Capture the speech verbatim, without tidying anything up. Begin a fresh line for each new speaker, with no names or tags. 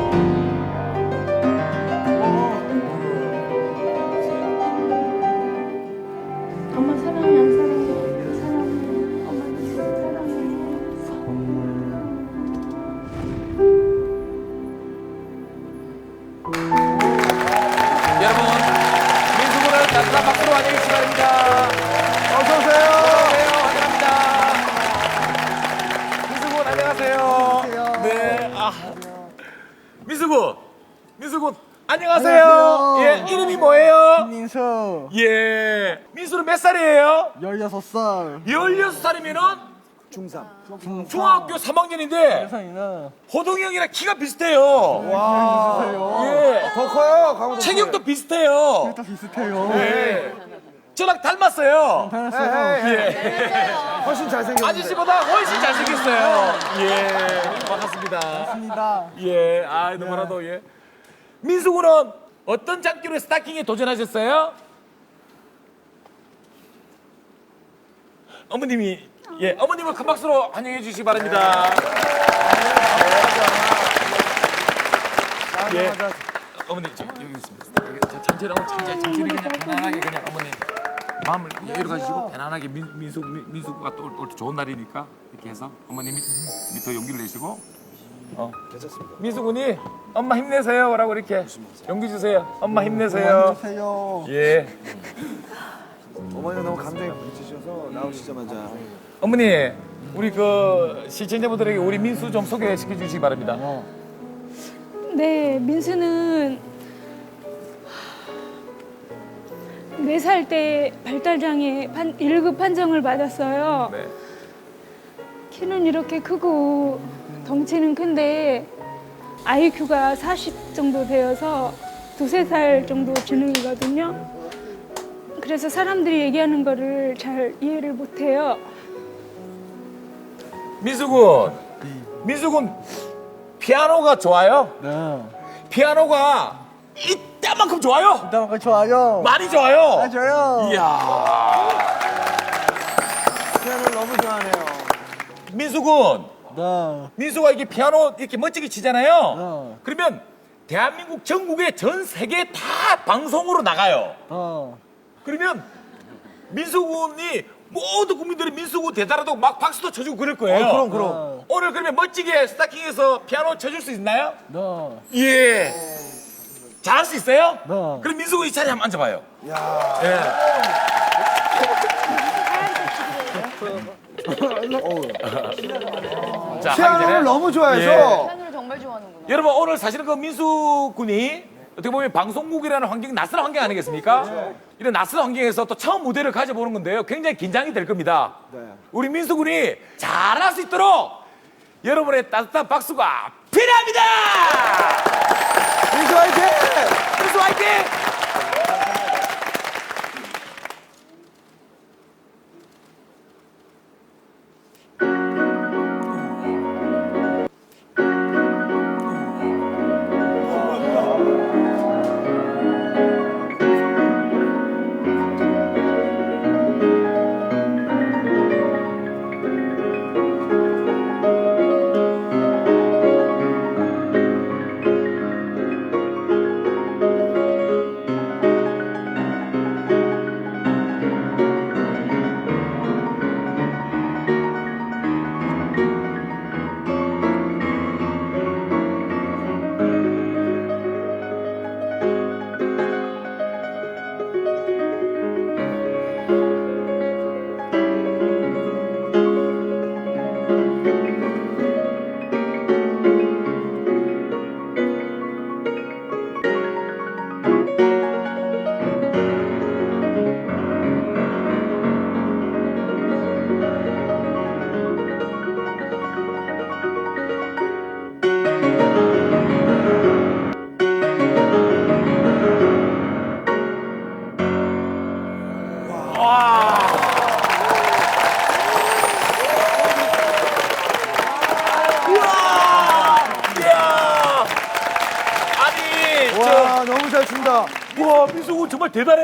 엄마 사랑해 안 사랑해? 사랑해. 엄마 사랑해.
여러분, 민수군을 따뜻한 박수로 환영해 주시기 바랍니다.
어서 오세요.
안녕하세요. 환영합니다. 민수군 안녕하세요.
안녕하세요.
네. 아. 민수군. 민수군 안녕하세요.
안녕하세요.
예, 이름이 뭐예요?
민수
예. 민수는 몇 살이에요?
열여섯 살.
열여섯 살이면은
중삼.
중학교 삼 학년인데
세상이나.
호동이 형이랑 키가 비슷해요.
와.
예.
더 커요. 강호동.
체격도 비슷해요.
또 비슷해요.
예. 저랑 닮았어요.
닮았어요.
예.
훨씬 잘생겼는데.
아저씨보다 훨씬 잘생겼어요. 예. 반갑습니다.
맞습니다.
예. 아, 너무나도 예. 민수군은 어떤 장기로 스타킹에 도전하셨어요? 어머님이 예, 어머님을 큰 박수로 환영해 주시기 바랍니다. 예. 어머니 저 여기 있습니다. 여기 저 천천히 하고 천천히 천천히 그냥 편안하게 그냥 어머니 마음을 여유를 가지시고 편안하게 민, 민수 민, 민수가 또 올 때 좋은 날이니까 이렇게 해서 어머님이 밑에 용기를 내시고 어 괜찮습니다. 민수군이 엄마 힘내세요라고 이렇게 용기 주세요. 엄마 힘내세요.
안녕하세요.
예.
어머니가 너무 감정이 부딪히셔서 나오시자마자
어머니 우리 그 시청자분들에게 우리 민수 좀 소개시켜 주시기 바랍니다.
네, 민수는 네 살 때 발달장애 일 급 판정을 받았어요.
네.
키는 이렇게 크고 덩치는 큰데 아이큐가 사십 정도 되어서 두세 살 정도 지능이거든요. 그래서 사람들이 얘기하는 거를 잘 이해를 못해요.
민수군, 민수군 피아노가 좋아요?
네.
피아노가 이따만큼 좋아요?
일단 좋아요.
많이 좋아요?
맞아요.
이야.
피아노를 너무 좋아하네요.
민수군,
네.
민수가 이게 피아노 이렇게 멋지게 치잖아요.
네.
그러면 대한민국 전국에 전 세계 다 방송으로 나가요.
어.
그러면 민수군이 모든 국민들이 민수군 대단하다고 막 박수도 쳐주고 그럴 거예요.
어, 그럼 그럼.
오늘 그러면 멋지게 스타킹에서 피아노 쳐줄 수 있나요?
네.
예. 잘할 수 있어요?
네.
그럼 민수군 이 자리에 한번 앉아봐요. 예. 자, 하기 전에
피아노를 너무 좋아해서
피아노를 정말 좋아하는구나.
여러분 오늘 사실은 그 민수군이 어떻게 보면 방송국이라는 환경, 낯선 환경 아니겠습니까? 이런 낯선 환경에서 또 처음 무대를 가져보는 건데요. 굉장히 긴장이 될 겁니다. 우리 민수군이 잘할 수 있도록 여러분의 따뜻한 박수가 필요합니다!
민수 화이팅!
민수 화이팅!
와 너무 잘 춘다.
우와, 민수군 정말 대단해.